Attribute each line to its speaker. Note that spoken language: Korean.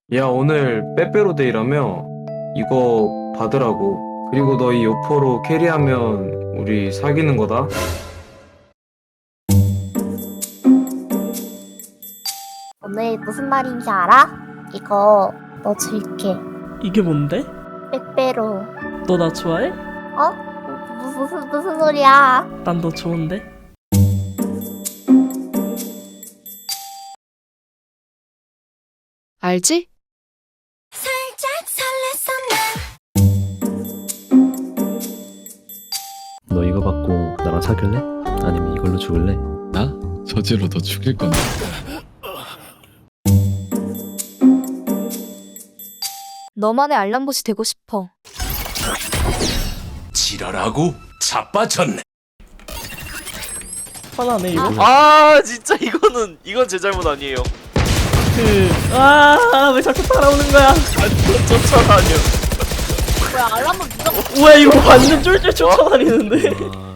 Speaker 1: 야, 오늘 빼빼로데이라며 이거 받으라고. 그리고 너 이 요포로 캐리하면 우리 사귀는 거다.
Speaker 2: 오늘 무슨 말인지 알아? 이거 너 줄게.
Speaker 3: 이게 뭔데?
Speaker 2: 빼빼로.
Speaker 3: 너 나 좋아해?
Speaker 2: 어? 무슨 소리야?
Speaker 3: 난 너 좋은데?
Speaker 4: 알지?
Speaker 5: 너 이거 받고 나랑 사귈래? 아니면 이걸로 죽을래?
Speaker 6: 나? 저지로 너 죽일 건데.
Speaker 4: 너만의 알람봇이 되고 싶어.
Speaker 7: 지랄하고 자빠졌네.
Speaker 3: 화나네 이거.
Speaker 8: 아 진짜 이건 제 잘못 아니에요.
Speaker 3: 왜 자꾸 따라오는 거야?
Speaker 8: 쫓아다녀.
Speaker 2: 뭐야 알람은 누가
Speaker 3: 뭐야 이거 완전 쫄쫄 쫓아다니는데?